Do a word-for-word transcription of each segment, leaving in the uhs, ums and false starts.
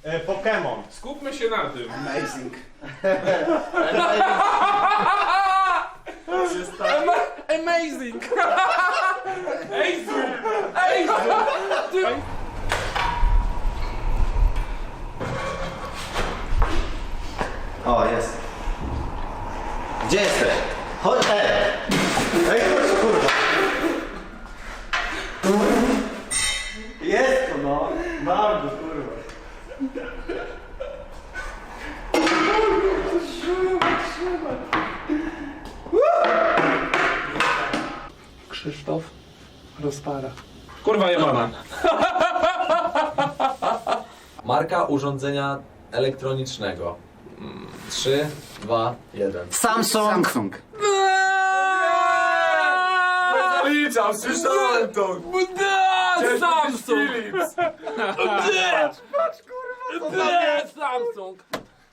E, Pokémon. Skupmy się na tym. Amazing. Amazing! Ej, zoom! Ej! Ty... O, jest. Gdzie jesteś? Chodź, ej! Ej, chodź, kurwa. Jest to, no. Bardzo, kurwa. Krzysztof rozpara. Kurwa jebana. Marka urządzenia elektronicznego. trzy, dwa, jeden. Samsung. Samsung. Zaliczam, słyszałem to. Samsung! Ble, Samsung!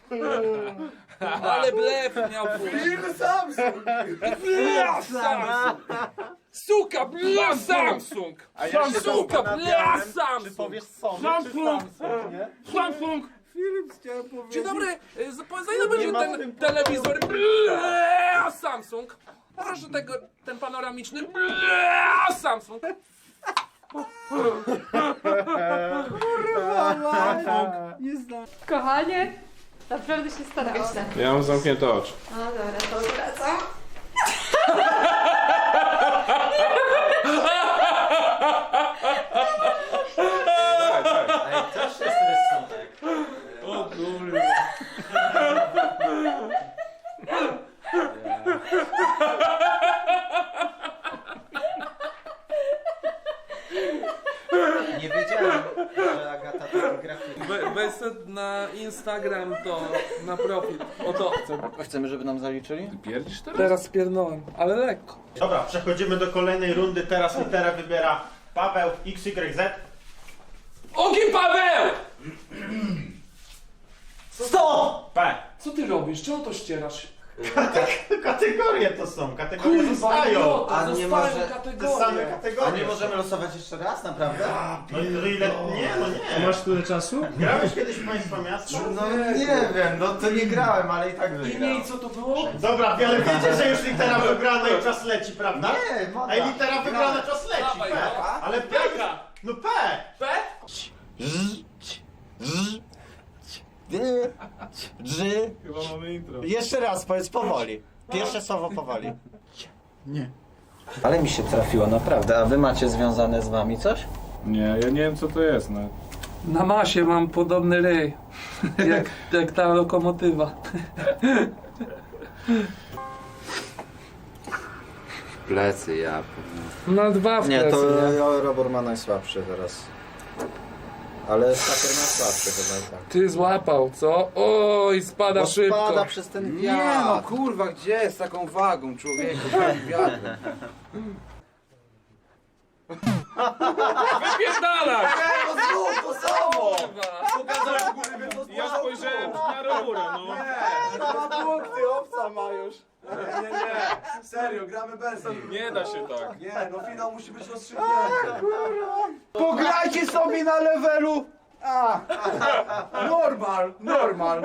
Ale blef miał Film Samsung. Bla, Samsung! Suka, bla, Samsung! Suka, bla, Samsung! Powiesz Sony Samsung. czy Samsung, nie? Samsung! Film chciałem powiedzieć. Dzień dobry, y, za za ile będzie ma w ten tym telewizor? Bla, Samsung! Proszę tego, ten panoramiczny. Bla, Samsung! Kochanie, naprawdę się starałam. Ja mam zamknięte oczy. No dobra, to wracam. Daj, daj. Ej, też jest rysunek. O kurwa. Nie wiedziałem, że Agata to grafika. We, weź sobie na Instagram to, na profil. O to chcę. Chcemy, żeby nam zaliczyli? Pierdzisz teraz? Teraz pierdolę, ale lekko. Dobra, przechodzimy do kolejnej rundy. Teraz literę wybiera Paweł X Y Z. Ogień Paweł! Stop! P. Co ty robisz? Czemu to ścierasz? Kategorie to są, kategorie Kurwa, zostają. idiota, A nie zostają może- Te kategorie. same A kategorie. nie możemy losować jeszcze raz, naprawdę? No i no ile... Nie, no nie. Masz tyle czasu? Grałeś kiedyś w Państwa Miasta? No nie wiem, no to nie grałem, ale i tak I wygrałem. nie, co to było? Dobra, ale wiecie, że już litera wygrana i czas leci, prawda? Nie, moda. Ej, litera wygrana, czas leci. Dawaj, P. no. Ale P. No P. P? Dży. Chyba mamy intro. Jeszcze raz, powiedz powoli. Pierwsze słowo powoli. Nie. Ale mi się trafiło, naprawdę. A wy macie związane z wami coś? Nie, ja nie wiem co to jest, no. Na masie mam podobny ryj. Jak, jak ta lokomotywa. Plecy, ja. Na dwa w Nie, plecy, to nie? Robor ma najsłabszy teraz. Ale Saker ma słabszy chyba i tak. Ty złapał, co? Oj, spada Bo szybko. spada przez ten Nie wiatr. no kurwa, gdzie z taką wagą człowieku? Wiatrem. Wypierdalaj! No znów to samo! Kurwa. Ja spojrzałem na Robura, no. Dwa punkty, obca ma już. Nie, nie, nie. Serio, gramy bez nich. Nie da się tak. Nie, no finał musi być rozstrzygnięty. Pograjcie sobie na levelu! A, normal, normal.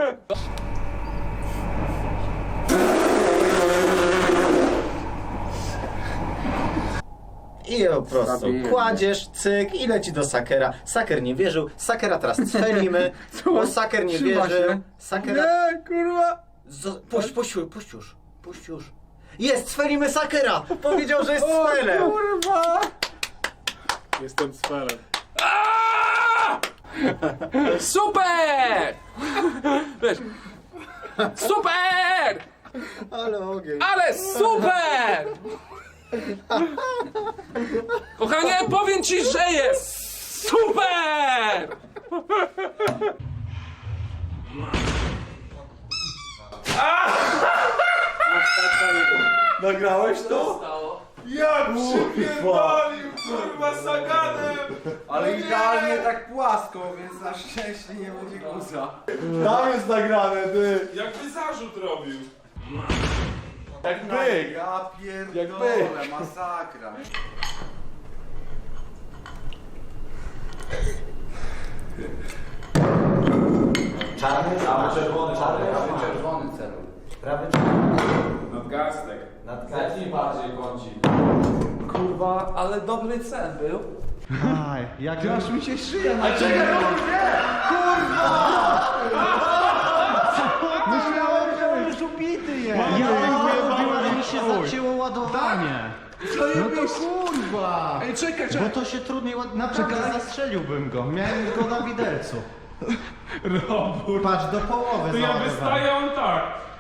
I po prostu kładziesz, cyk i leci do Sakera. Saker nie wierzył, Sakera teraz cfelimy, bo Saker nie Trzyma wierzył. się. Sakera... Nie, kurwa! Z... Puść, puść, puść już, puść już. Jest, cfelimy Sakera! Powiedział, że jest cfelem! Kurwa! Jestem sferem. Super! Wiesz, super! Ale ogień. Ale super! Kochanie, powiem ci, że jest super! Nagrałeś to? Jak przypierdolił, kurwa, Saganem! Ale idealnie tak płasko, więc na szczęście nie będzie guza. Tam jest nagrane, ty! Jakby zarzut robił. Jak byk! Ja pierdolę, masakra. Czarny, Prawy czerwony, czarny, prawy czarny. czerwony celuj. Prawy czerwony. Nadgarstek. Zetnij bardziej kącik. Kurwa, ale dobry cel był. Aj, jak aż mi się szyja na Myślałem, że on już ubity jest. Ja, ale mi się zacięło ładowanie. No to kurwa. Ej, czekaj, Bo czekaj. to się trudniej ład... Naprawdę zastrzeliłbym go. Miałem go na widelcu. Robór. Patrz, do połowy To ja załadowałem. wystaję on tak.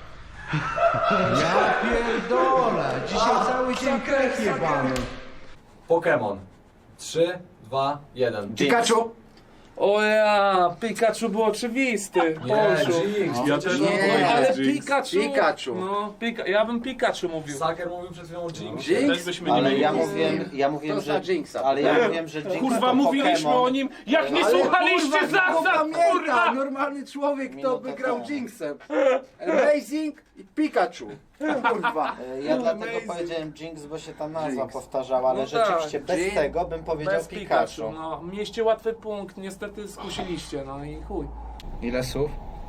Ja pierdolę! Dzisiaj cały dzień krech jebany. Pokémon. trzy, dwa, jeden. Pikachu! O ja, Pikachu był oczywisty. Polszu. Jinx. Ja też mam Nie, powiedzieć Ale Jinx. Pikachu. Pikachu. No, Pika, ja bym Pikachu mówił. Saker mówił przed chwilą Jinx. Też byśmy nie Ale mieli. ja mówiłem, ja mówiłem, że... Ale ja mówiłem, że Jinx Kurwa, to mówiliśmy Pokémon. o nim, jak nie słuchaliście zasad, kurwa! Normalny człowiek, kto Minuta by grał temu. Jinxem. Amazing i Pikachu. Kurwa. E, Ja dlatego powiedziałem Jinx, bo się ta nazwa Jinx. powtarzała, ale No rzeczywiście tak, bez Jinx. tego bym powiedział Bez Pikachu. Pikachu. No, mieliście łatwy punkt, niestety skusiliście, no i chuj. Ile słów?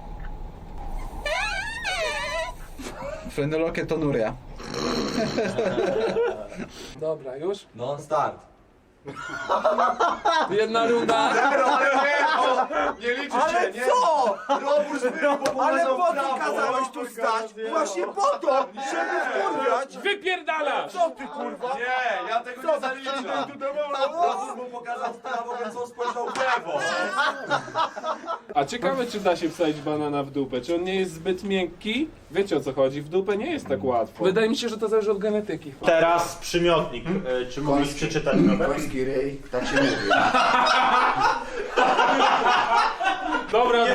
Fenoloke to Nuria. Dobra, już? Non start. Jedna runda. Nie liczy Ale się, nie? co? Robór zbył, bo Ale po co prawo. kazałeś tu stać? Właśnie po to, żeby wkurwiać. Wypierdalasz! Co ty kurwa? Nie, ja tego nie zaliczam. Robór mu pokazał w prawo, więc on spojrzał w lewo. A ciekawe, czy da się wsadzić banana w dupę. Czy on nie jest zbyt miękki? Wiecie o co chodzi? W dupę nie jest tak łatwo. Wydaje mi się, że to zależy od genetyki. Teraz przymiotnik. E, Czy mógłbyś przeczytać Robert? Koński ryj, tak się mówi. Dobra,